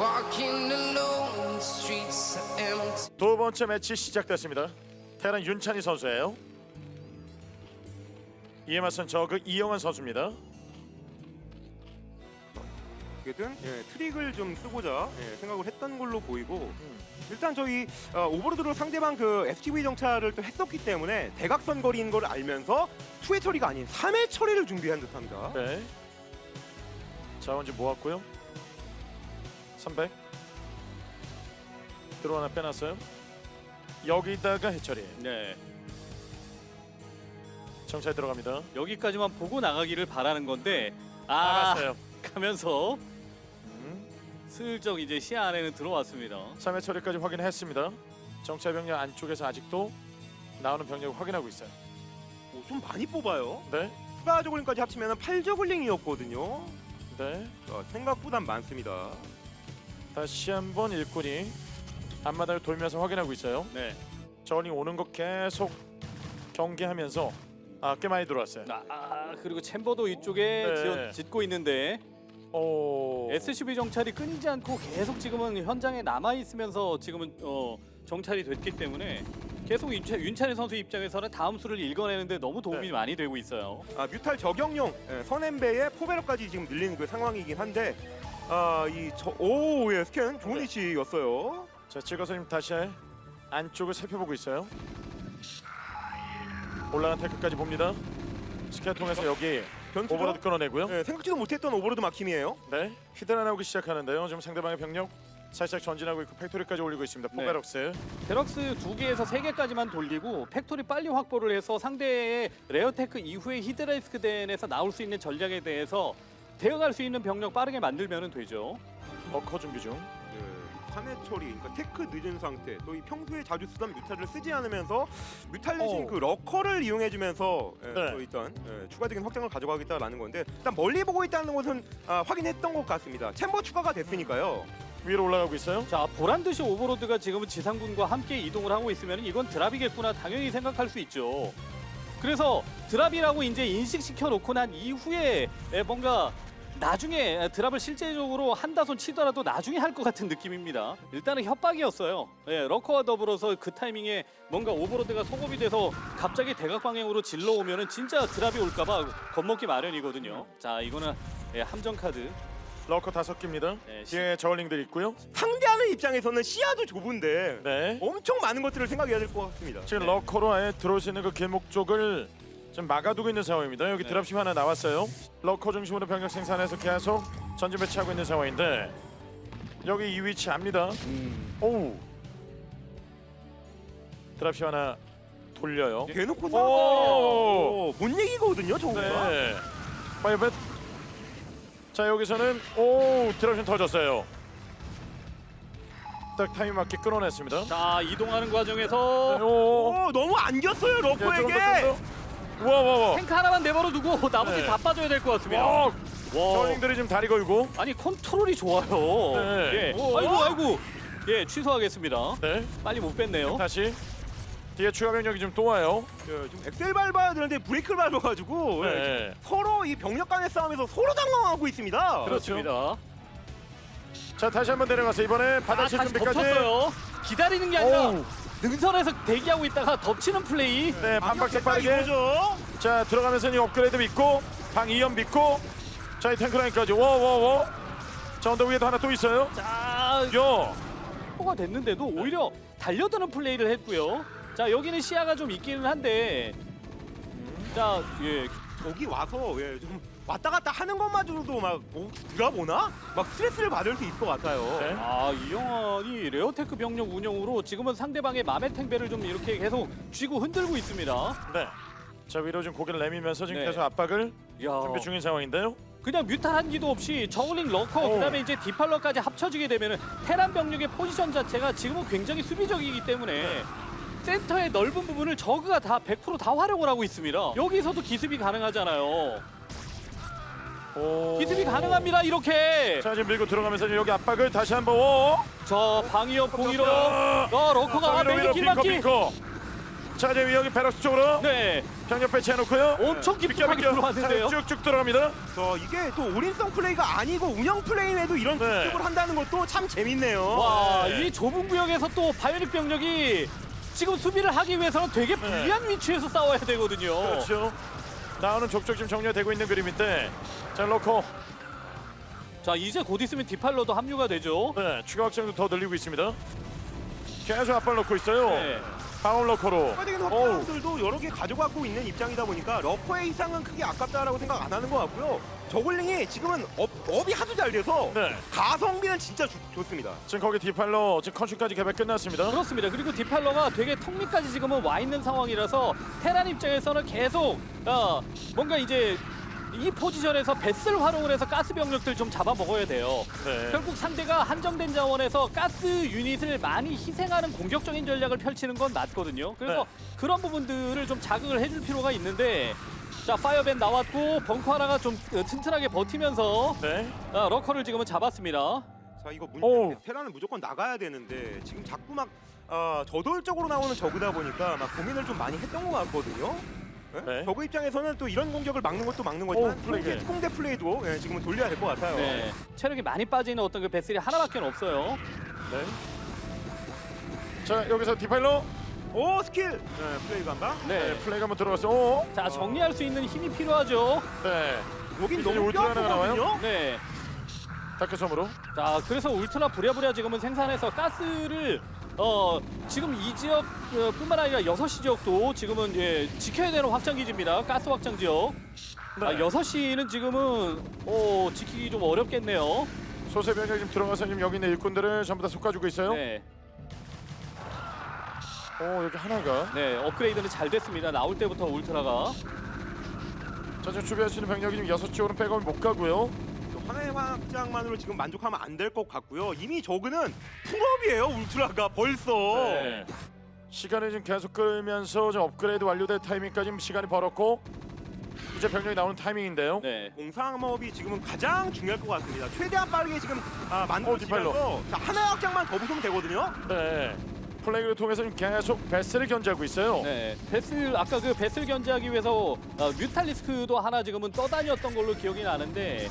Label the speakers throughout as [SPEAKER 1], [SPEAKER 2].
[SPEAKER 1] walking alone, the streets are empty.
[SPEAKER 2] 두 번째 매치 시작됐습니다. 테란 윤찬희 선수예요. 이에 맞선 저그 이영환 선수입니다.
[SPEAKER 3] 어떻게든 트릭을 좀 쓰고자 생각을 했던 걸로 보이고 일단 저희 오버로드로 상대방 그 SCV 정찰을 또 했었기 때문에 대각선 거리인 걸 알면서 2회 처리가 아닌 3회 처리를 준비한 듯합니다.
[SPEAKER 2] 네. 자원지 모았고요. 300 들어 하나 빼놨어요. 여기다가 해처리.
[SPEAKER 4] 네.
[SPEAKER 2] 정찰 들어갑니다.
[SPEAKER 4] 여기까지만 보고 나가기를 바라는 건데
[SPEAKER 2] 나갔어요.
[SPEAKER 4] 가면서 슬쩍 이제 시야 안에는 들어왔습니다.
[SPEAKER 2] 3회 처리까지 확인했습니다. 정찰 병력 안쪽에서 아직도 나오는 병력을 확인하고 있어요.
[SPEAKER 3] 좀 많이 뽑아요.
[SPEAKER 2] 네.
[SPEAKER 3] 추가 저글링까지 합치면 8저글링이었거든요.
[SPEAKER 2] 네.
[SPEAKER 3] 생각보다 많습니다.
[SPEAKER 2] 다시 한번 일꾼이 앞마당을 돌면서 확인하고 있어요.
[SPEAKER 4] 네.
[SPEAKER 2] 저울링 오는 거 계속 경계하면서 꽤 많이 들어왔어요.
[SPEAKER 4] 그리고 챔버도 이쪽에
[SPEAKER 2] 네.
[SPEAKER 4] 짓고 있는데 SCV 정찰이 끊이지 않고 계속 지금은 현장에 남아 있으면서 지금은 정찰이 됐기 때문에 계속 윤찬희 선수 입장에서는 다음 수를 읽어내는데 너무 도움이
[SPEAKER 2] 네.
[SPEAKER 4] 많이 되고 있어요.
[SPEAKER 3] 뮤탈 적용용 선엠베에 포베럭까지 지금 늘리는 그 상황이긴 한데 스캔 좋은
[SPEAKER 2] 네.
[SPEAKER 3] 위치였어요.
[SPEAKER 2] 자, 찍어서 다시 안쪽을 살펴보고 있어요. 올라간 태클까지 봅니다. 스캔 통해서 여기
[SPEAKER 3] 변수죠?
[SPEAKER 2] 오버로드 끊어내고요.
[SPEAKER 3] 생각지도 못했던 오버로드 막힘이에요.
[SPEAKER 2] 네. 히드라 나오기 시작하는데요. 지금 상대방의 병력 살짝 전진하고 있고 팩토리까지 올리고 있습니다.
[SPEAKER 4] 네.
[SPEAKER 2] 포베럭스.
[SPEAKER 4] 베럭스 2개에서 3개까지만 돌리고 팩토리 빨리 확보를 해서 상대의 레어테크 이후에 히드라이스크덴에서 나올 수 있는 전략에 대해서 대응할 수 있는 병력 빠르게 만들면 되죠.
[SPEAKER 2] 어커 준비 중.
[SPEAKER 3] 3회 처리, 그러니까 테크 늦은 상태, 또 이 평소에 자주 쓰던 뮤탈을 쓰지 않으면서 뮤탈 대신 그 러커를 이용해주면서
[SPEAKER 2] 네.
[SPEAKER 3] 또 일단 추가적인 확장을 가져가겠다라는 건데 일단 멀리 보고 있다는 것은 확인했던 것 같습니다. 챔버 추가가 됐으니까요.
[SPEAKER 2] 위로 올라가고 있어요.
[SPEAKER 4] 자, 보란듯이 오버로드가 지금은 지상군과 함께 이동을 하고 있으면 이건 드랍이겠구나 당연히 생각할 수 있죠. 그래서 드랍이라고 이제 인식시켜 놓고 난 이후에 뭔가 나중에 드랍을 실제적으로 한다손 치더라도 나중에 할 것 같은 느낌입니다. 일단은 협박이었어요. 러커와 더불어서 그 타이밍에 뭔가 오버로드가 소급이 돼서 갑자기 대각 방향으로 질러오면은 진짜 드랍이 올까봐 겁먹기 마련이거든요. 자, 이거는 함정 카드.
[SPEAKER 2] 러커 5개입니다.
[SPEAKER 4] 네,
[SPEAKER 2] 뒤에 저울링들 있고요.
[SPEAKER 3] 상대하는 입장에서는 시야도 좁은데
[SPEAKER 2] 네.
[SPEAKER 3] 엄청 많은 것들을 생각해야 될 것 같습니다.
[SPEAKER 2] 지금 러커로 아예 들어올 수 있는 그 길목 쪽을 좀 막아두고 있는 상황입니다. 여기 드랍십 하나 나왔어요. 러커 중심으로 병력 생산해서 계속 전진 배치하고 있는 상황인데 여기 이 위치 압니다. 오우. 드랍십 하나 돌려요.
[SPEAKER 3] 대놓고 못 얘기거든요, 저거가.
[SPEAKER 2] 네. 파이벳. 자, 여기서는 드랍십 터졌어요. 딱 타임 맞게 끊어냈습니다.
[SPEAKER 4] 자, 이동하는 과정에서
[SPEAKER 3] 너무 안겼어요, 러커에게.
[SPEAKER 2] 우와.
[SPEAKER 4] 탱크 하나만 내버려 두고 나머지
[SPEAKER 2] 네.
[SPEAKER 4] 다 빠져야 될 것 같습니다.
[SPEAKER 2] 와. 저울링들이 지금 다리 걸고.
[SPEAKER 4] 아니 컨트롤이 좋아요.
[SPEAKER 2] 네.
[SPEAKER 4] 아이고. 예, 취소하겠습니다.
[SPEAKER 2] 네.
[SPEAKER 4] 빨리 못 뺐네요.
[SPEAKER 2] 다시 뒤에 추가 병력이 좀 또 와요.
[SPEAKER 3] 좀 엑셀 밟아야 되는데 브레이크를 밟아가지고
[SPEAKER 2] 네.
[SPEAKER 3] 서로 이 병력 간의 싸움에서 서로 당황하고 있습니다.
[SPEAKER 4] 그렇습니다.
[SPEAKER 2] 자, 다시 한번 내려가서 이번에 바닥칠
[SPEAKER 4] 다시
[SPEAKER 2] 준비까지.
[SPEAKER 4] 덮쳤어요. 기다리는 게 아니라
[SPEAKER 2] 오우.
[SPEAKER 4] 능선에서 대기하고 있다가 덮치는 플레이.
[SPEAKER 2] 네, 반박자 빠르게.
[SPEAKER 3] 이거죠.
[SPEAKER 2] 자, 들어가면서 이 업그레이드 믿고 방 2연 믿고 자, 이 탱크라인까지. 와. 자, 언덕 위에도 하나 또 있어요.
[SPEAKER 4] 자,
[SPEAKER 2] 요.
[SPEAKER 4] 포가 됐는데도 오히려 달려드는 플레이를 했고요. 자, 여기는 시야가 좀 있기는 한데. 자, 예.
[SPEAKER 3] 여기 와서 좀 왔다 갔다 하는 것마저도 막 들어보나? 막 스트레스를 받을 수 있을 것 같아요.
[SPEAKER 2] 네.
[SPEAKER 4] 이영환이 레어테크 병력 운영으로 지금은 상대방의 맘의 탱배를 좀 이렇게 계속 쥐고 흔들고 있습니다.
[SPEAKER 2] 네. 자, 위로 좀 고개를 내밀면서 지금
[SPEAKER 4] 네.
[SPEAKER 2] 계속 압박을
[SPEAKER 4] 야.
[SPEAKER 2] 준비 중인 상황인데요.
[SPEAKER 4] 그냥 뮤탈 한기도 없이 저글링 러커 그다음에 이제 디팔러까지 합쳐지게 되면은 테란 병력의 포지션 자체가 지금은 굉장히 수비적이기 때문에 센터의 넓은 부분을 저그가 다 100% 활용을 하고 있습니다. 여기서도 기습이 가능하잖아요. 기습이 가능합니다. 이렇게.
[SPEAKER 2] 자, 지금 밀고 들어가면서 여기 압박을 다시 한번.
[SPEAKER 4] 저 방위협 공이로 러커가
[SPEAKER 2] 위로
[SPEAKER 4] 매기 길막기.
[SPEAKER 2] 빙커. 자 이제 여기 베럭스 쪽으로
[SPEAKER 4] 네,
[SPEAKER 2] 병력 배치해놓고요.
[SPEAKER 4] 엄청 깊숙하게
[SPEAKER 2] 비껴.
[SPEAKER 4] 들어왔는데요.
[SPEAKER 2] 자, 쭉쭉 들어갑니다.
[SPEAKER 3] 이게 또 올인성 플레이가 아니고 운영 플레이에도 이런
[SPEAKER 2] 네.
[SPEAKER 3] 특집을 한다는 것도 참 재밌네요.
[SPEAKER 4] 와,
[SPEAKER 2] 네.
[SPEAKER 4] 이 좁은 구역에서 또 바이오닉 병력이 지금 수비를 하기 위해서는 되게 불리한 위치에서 싸워야 되거든요.
[SPEAKER 2] 그렇죠. 나오는 족족 지금 정리가 되고 있는 그림인데 자 로커
[SPEAKER 4] 자, 이제 곧 있으면 디팔러도 합류가 되죠.
[SPEAKER 2] 네, 추가 확장도 더 늘리고 있습니다. 계속 앞발 놓고 있어요.
[SPEAKER 4] 네.
[SPEAKER 2] 방울 러커로.
[SPEAKER 3] 추가적인
[SPEAKER 2] 어우.
[SPEAKER 3] 확장들도 여러 개 가져가고 있는 입장이다 보니까 러커의 이상은 크게 아깝다라고 생각 안 하는 것 같고요. 저글링이 지금은 업이 하도 잘 돼서
[SPEAKER 2] 네.
[SPEAKER 3] 가성비는 진짜 좋습니다.
[SPEAKER 2] 지금 거기 디팔러 지금 컨슈까지 개발 끝났습니다.
[SPEAKER 4] 그렇습니다. 그리고 디팔러가 되게 턱밑까지 지금은 와 있는 상황이라서 테란 입장에서는 계속 뭔가 이제 이 포지션에서 배스를 활용을 해서 가스 병력들 좀 잡아먹어야 돼요.
[SPEAKER 2] 네.
[SPEAKER 4] 결국 상대가 한정된 자원에서 가스 유닛을 많이 희생하는 공격적인 전략을 펼치는 건 맞거든요. 그래서
[SPEAKER 2] 네.
[SPEAKER 4] 그런 부분들을 좀 자극을 해줄 필요가 있는데, 자, 파이어밴 나왔고 벙커 하나가 좀 튼튼하게 버티면서
[SPEAKER 2] 네.
[SPEAKER 4] 러커를 지금은 잡았습니다.
[SPEAKER 3] 자 이거
[SPEAKER 2] 오.
[SPEAKER 3] 테란은 무조건 나가야 되는데 지금 자꾸 막 저돌적으로 나오는 저그다 보니까 막 고민을 좀 많이 했던 것 같거든요. 네?
[SPEAKER 2] 네.
[SPEAKER 3] 저그 입장에서는 또 이런 공격을 막는 것도 막는 거지만
[SPEAKER 2] 오, 플레이.
[SPEAKER 3] 특공대 플레이도 지금은 돌려야 될 것 같아요.
[SPEAKER 4] 네. 체력이 많이 빠지는 어떤 그 배슬이 하나밖에 없어요.
[SPEAKER 2] 네. 자 여기서 디팔러.
[SPEAKER 3] 오 스킬 플레이 간다.
[SPEAKER 4] 네.
[SPEAKER 2] 플레이가 한번 들어갔어. 오.
[SPEAKER 4] 자, 정리할 수 있는 힘이 필요하죠.
[SPEAKER 2] 네.
[SPEAKER 3] 여긴
[SPEAKER 2] 이제
[SPEAKER 3] 너무
[SPEAKER 2] 울트라 하나가 나와요?
[SPEAKER 3] 뼈아프거든요.
[SPEAKER 4] 네.
[SPEAKER 2] 다크 섬으로.
[SPEAKER 4] 자, 그래서 울트라 부랴부랴 지금은 생산해서 가스를 지금 이 지역 뿐만 아니라 6시 지역도 지금은 지켜야 되는 확장 기지입니다. 가스 확장 지역.
[SPEAKER 2] 네.
[SPEAKER 4] 6시는 지금은 지키기 좀 어렵겠네요.
[SPEAKER 2] 소세 병력 지금 들어가서 지금 여기 있는 일꾼들을 전부 다 솎아주고 있어요.
[SPEAKER 4] 네.
[SPEAKER 2] 오 여기 하나가.
[SPEAKER 4] 네, 업그레이드는 잘 됐습니다. 나올 때부터 울트라가.
[SPEAKER 2] 자 지금 수비할 수 있는 병력이 지금 6쪽으로 백업이 못 가고요.
[SPEAKER 3] 하나의 확장만으로 지금 만족하면 안 될 것 같고요. 이미 저그는 풀업이에요. 울트라가 벌써.
[SPEAKER 2] 네. 시간을 지금 계속 끌면서 좀 업그레이드 완료될 타이밍까지 지금 시간이 벌었고 이제 병력이 나오는 타이밍인데요.
[SPEAKER 4] 네.
[SPEAKER 3] 공상업이 지금은 가장 중요할 것 같습니다. 최대한 빠르게 지금
[SPEAKER 2] 디팔로.
[SPEAKER 3] 만들어지면서 하나의 확장만 더 부수면 되거든요.
[SPEAKER 2] 네. 플레이를 통해서 지금 계속 베스를 견제하고 있어요.
[SPEAKER 4] 네, 베슬 아까 그 베슬 견제하기 위해서 뮤탈리스크도 하나 지금은 떠다녔던 걸로 기억이 나는데,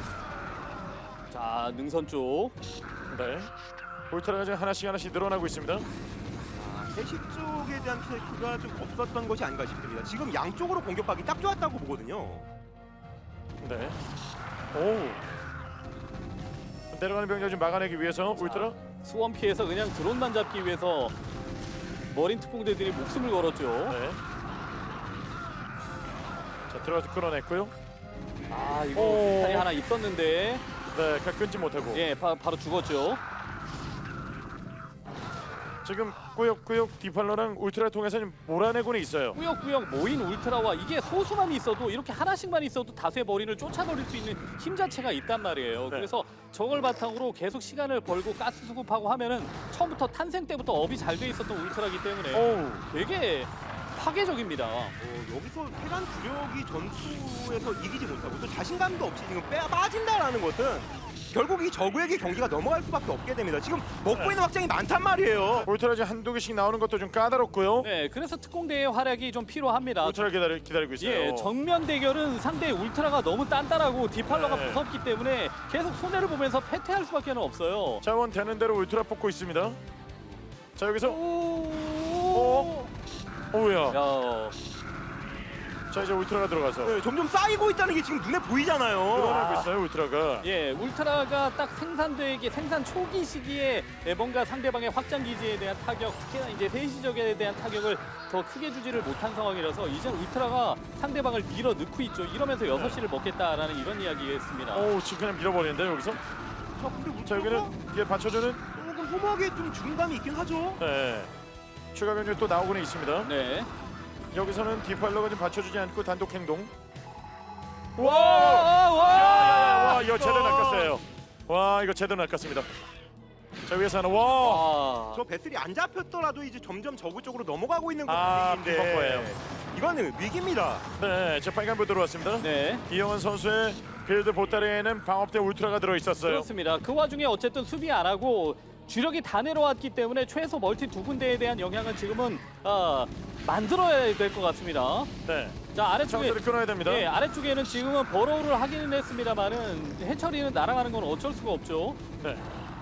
[SPEAKER 4] 자, 능선 쪽.
[SPEAKER 2] 네. 울트라가 지금 하나씩 늘어나고 있습니다.
[SPEAKER 3] 세시 쪽에 대한 피해가 좀 없었던 것이 아닌가 싶습니다. 지금 양쪽으로 공격하기 딱 좋았다고 보거든요.
[SPEAKER 2] 네. 오. 내려가는 병력 좀 막아내기 위해서 울트라.
[SPEAKER 4] 수원 피해서 그냥 드론만 잡기 위해서 머린 특공대들이 목숨을 걸었죠.
[SPEAKER 2] 네. 자 들어가서 끌어냈고요.
[SPEAKER 4] 아, 이거
[SPEAKER 2] 오.
[SPEAKER 4] 탈이 하나 있었는데,
[SPEAKER 2] 네, 끊지 못하고.
[SPEAKER 4] 예, 바로 죽었죠.
[SPEAKER 2] 지금 꾸역꾸역 디팔러랑 울트라 통해서 지금 몰아내고는 있어요.
[SPEAKER 4] 꾸역꾸역 모인 울트라와 이게 소수만 있어도 이렇게 하나씩만 있어도 다수의 머리를 쫓아버릴 수 있는 힘 자체가 있단 말이에요.
[SPEAKER 2] 네.
[SPEAKER 4] 그래서 저걸 바탕으로 계속 시간을 벌고 가스 수급하고 하면은 처음부터 탄생 때부터 업이 잘 돼 있었던 울트라기 때문에
[SPEAKER 2] 오우.
[SPEAKER 4] 되게 파괴적입니다.
[SPEAKER 3] 여기서 테란 주력이 전투에서 이기지 못하고 또 자신감도 없이 지금 빠진다라는 것은 결국 이 저그에게 경기가 넘어갈 수밖에 없게 됩니다. 지금 먹고 있는 확장이 많단 말이에요.
[SPEAKER 2] 울트라 지금 한두 개씩 나오는 것도 좀 까다롭고요.
[SPEAKER 4] 네, 그래서 특공대의 활약이 좀 필요합니다.
[SPEAKER 2] 울트라 기다리고 있어요.
[SPEAKER 4] 예, 정면 대결은 상대 울트라가 너무 단단하고 디팔러가
[SPEAKER 2] 네.
[SPEAKER 4] 무섭기 때문에 계속 손해를 보면서 패퇴할 수밖에 없어요.
[SPEAKER 2] 자원 되는 대로 울트라 뽑고 있습니다. 자 여기서
[SPEAKER 4] 오.
[SPEAKER 2] 오우야.
[SPEAKER 4] 야,
[SPEAKER 2] 자 이제 울트라가 들어가서
[SPEAKER 3] 네, 점점 쌓이고 있다는 게 지금 눈에 보이잖아요.
[SPEAKER 2] 늘어나고 있어요 울트라가.
[SPEAKER 4] 예, 울트라가 딱 생산 초기 시기에 뭔가 상대방의 확장 기지에 대한 타격, 특히나 이제 세시적에 대한 타격을 더 크게 주지를 못한 상황이라서 이제 울트라가 상대방을 밀어 넣고 있죠. 이러면서 6시를 먹겠다라는 이런 이야기였습니다.
[SPEAKER 2] 오우 지금 그냥 밀어버리는데 여기서.
[SPEAKER 3] 자, 근데
[SPEAKER 2] 자
[SPEAKER 3] 울트라가
[SPEAKER 2] 여기는 뒤에 받쳐주는.
[SPEAKER 3] 조금 소모하게 좀 중감이 있긴 하죠.
[SPEAKER 2] 네. 추가 병력이 또 나오고는 있습니다.
[SPEAKER 4] 네.
[SPEAKER 2] 여기서는 디팔러가 좀 받쳐주지 않고 단독 행동.
[SPEAKER 4] 와!
[SPEAKER 2] 이거 제대로 낚았어요. 와 이거 제대로 낚았습니다. 자 위에서 하나. 와.
[SPEAKER 3] 저 배슬이 안 잡혔더라도 이제 점점 저그 쪽으로 넘어가고 있는
[SPEAKER 2] 아,
[SPEAKER 3] 분위기인데
[SPEAKER 2] 비법거예요.
[SPEAKER 3] 이거는 위기입니다.
[SPEAKER 2] 네, 저 빨간불 들어왔습니다.
[SPEAKER 4] 네.
[SPEAKER 2] 이영원 선수의 빌드 보따리에는 방업대 울트라가 들어 있었어요.
[SPEAKER 4] 그렇습니다. 그 와중에 어쨌든 수비 안 하고 주력이 다 내려왔기 때문에 최소 멀티 두 군데에 대한 영향은 지금은 만들어야 될 것 같습니다.
[SPEAKER 2] 네.
[SPEAKER 4] 자, 아래쪽에
[SPEAKER 2] 차원들을 끊어야 됩니다.
[SPEAKER 4] 예, 아래쪽에는 지금은 버로우를 하기는 했습니다만은 해처리는 날아가는 건 어쩔 수가 없죠.
[SPEAKER 2] 네.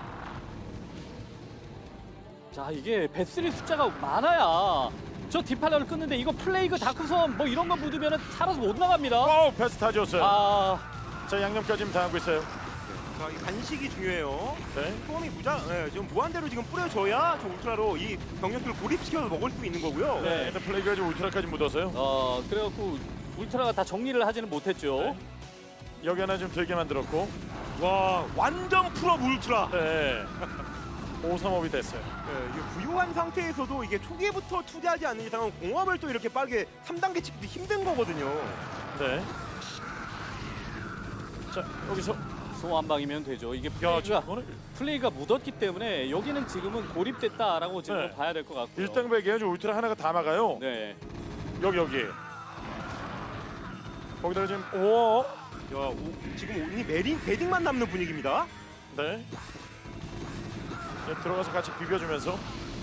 [SPEAKER 4] 자, 이게 배슬이 숫자가 많아야 저 뒷팔려를 끊는데 이거 플레이그 다크섬 뭐 이런 거 묻으면 살아서 못 나갑니다.
[SPEAKER 2] 패스 다 지웠어요.
[SPEAKER 4] 아,
[SPEAKER 2] 자, 양념까지 다 하고 있어요.
[SPEAKER 3] 자, 이 간식이 중요해요.
[SPEAKER 2] 네.
[SPEAKER 3] 소음이 지금 무한대로 지금 뿌려줘야 저 울트라로 이 병력들을 고립시켜서 먹을 수 있는 거고요.
[SPEAKER 4] 네.
[SPEAKER 2] 근데 플레이가 지금 울트라까지 묻어서요.
[SPEAKER 4] 그래갖고 울트라가 다 정리를 하지는 못했죠.
[SPEAKER 2] 네. 여기 하나 좀 들게 만들었고.
[SPEAKER 3] 와, 완전 풀업 울트라.
[SPEAKER 2] 네. 5-3업이 됐어요.
[SPEAKER 3] 네, 이게 부유한 상태에서도 이게 초기부터 투자하지 않는 이상은 공업을 또 이렇게 빠르게 3단계 찍기도 힘든 거거든요.
[SPEAKER 2] 네. 자, 여기서
[SPEAKER 4] 소환방이면 되죠. 이게
[SPEAKER 2] 야, 지금
[SPEAKER 4] 플레이가 묻었기 때문에 여기는 지금은 고립됐다라고 지금
[SPEAKER 2] 네.
[SPEAKER 4] 봐야 될 것 같고요.
[SPEAKER 2] 1당백이에요. 지금 울트라 하나가 다 막아요.
[SPEAKER 4] 네.
[SPEAKER 2] 여기. 거기다가 지금 오.
[SPEAKER 3] 지금 이 베딩만 남는 분위기입니다.
[SPEAKER 2] 네. 네, 들어가서 같이 비벼주면서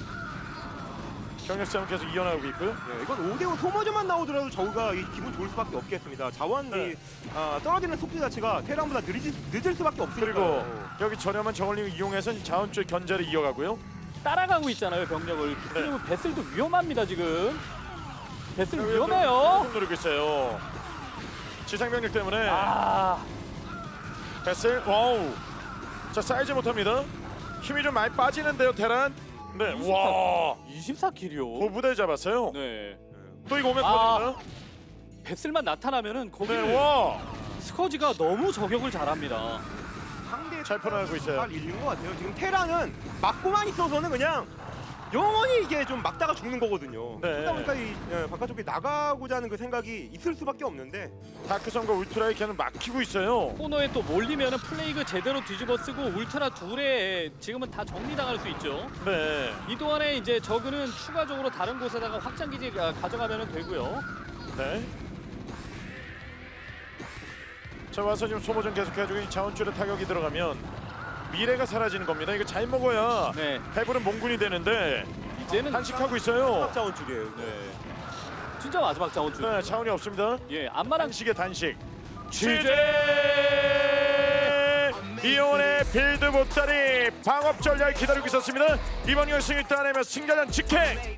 [SPEAKER 2] 경력 싸움 계속 이어나가고 있고요.
[SPEAKER 3] 네, 이건 5대5 소모전만 나오더라도 저우가 기분 좋을 수밖에 없겠습니다. 자원이
[SPEAKER 2] 네.
[SPEAKER 3] 떨어지는 속도 자체가 테란보다 늦을 수밖에 없으니까.
[SPEAKER 2] 그리고 여기 저렴한 저울링을 이용해서 자원 쪽 견제를 이어가고요.
[SPEAKER 4] 따라가고 있잖아요, 병력을. 그리고 배슬도 위험합니다, 지금. 배슬
[SPEAKER 2] 여기
[SPEAKER 4] 위험해요.
[SPEAKER 2] 좀 누르고 있어요. 지상 병력 때문에
[SPEAKER 4] 아,
[SPEAKER 2] 베슬 와우. 자, 쌓이지 못합니다. 힘이 좀 많이 빠지는데요, 테란. 네, 와.
[SPEAKER 4] 24킬이요.
[SPEAKER 2] 고부대 잡았어요.
[SPEAKER 4] 네.
[SPEAKER 2] 또 이거 오면
[SPEAKER 4] 아.
[SPEAKER 2] 터집니다.
[SPEAKER 4] 배슬만 나타나면은 거기
[SPEAKER 2] 네, 와.
[SPEAKER 4] 스커지가 너무 저격을 잘합니다.
[SPEAKER 3] 상대
[SPEAKER 2] 잘 풀어나가고 있어요.
[SPEAKER 3] 잘 읽는 것 같아요. 지금 테란은 막고만 있어서는 그냥 영원히 이게 좀 막다가 죽는 거거든요.
[SPEAKER 2] 네.
[SPEAKER 3] 그러다 보니까 이 바깥쪽에 나가고자 하는 그 생각이 있을 수밖에 없는데
[SPEAKER 2] 다크선과 울트라의 걔는 막히고 있어요.
[SPEAKER 4] 코너에 또 몰리면은 플레이그 제대로 뒤집어 쓰고 울트라 둘에 지금은 다 정리당할 수 있죠.
[SPEAKER 2] 네.
[SPEAKER 4] 이 동안에 이제 저그는 추가적으로 다른 곳에다가 확장 기지 가져가면 되고요.
[SPEAKER 2] 네. 자, 와서 지금 소모전 계속해가지고 이 자원줄에 타격이 들어가면 미래가 사라지는 겁니다. 이거 잘 먹어야
[SPEAKER 4] 네,
[SPEAKER 2] 해부는 몽군이 되는데
[SPEAKER 4] 이제는
[SPEAKER 2] 단식하고 있어요.
[SPEAKER 3] 자원 쪽이에요.
[SPEAKER 4] 네, 진짜 마지막 자원줄.
[SPEAKER 2] 네, 자원이 없습니다.
[SPEAKER 4] 예, 안마랑
[SPEAKER 2] 단식의 단식. 취재 이온의 빌드 보따리 방업 전략 기다리고 있었습니다. 이번 결승을 따내며 승자전 직행.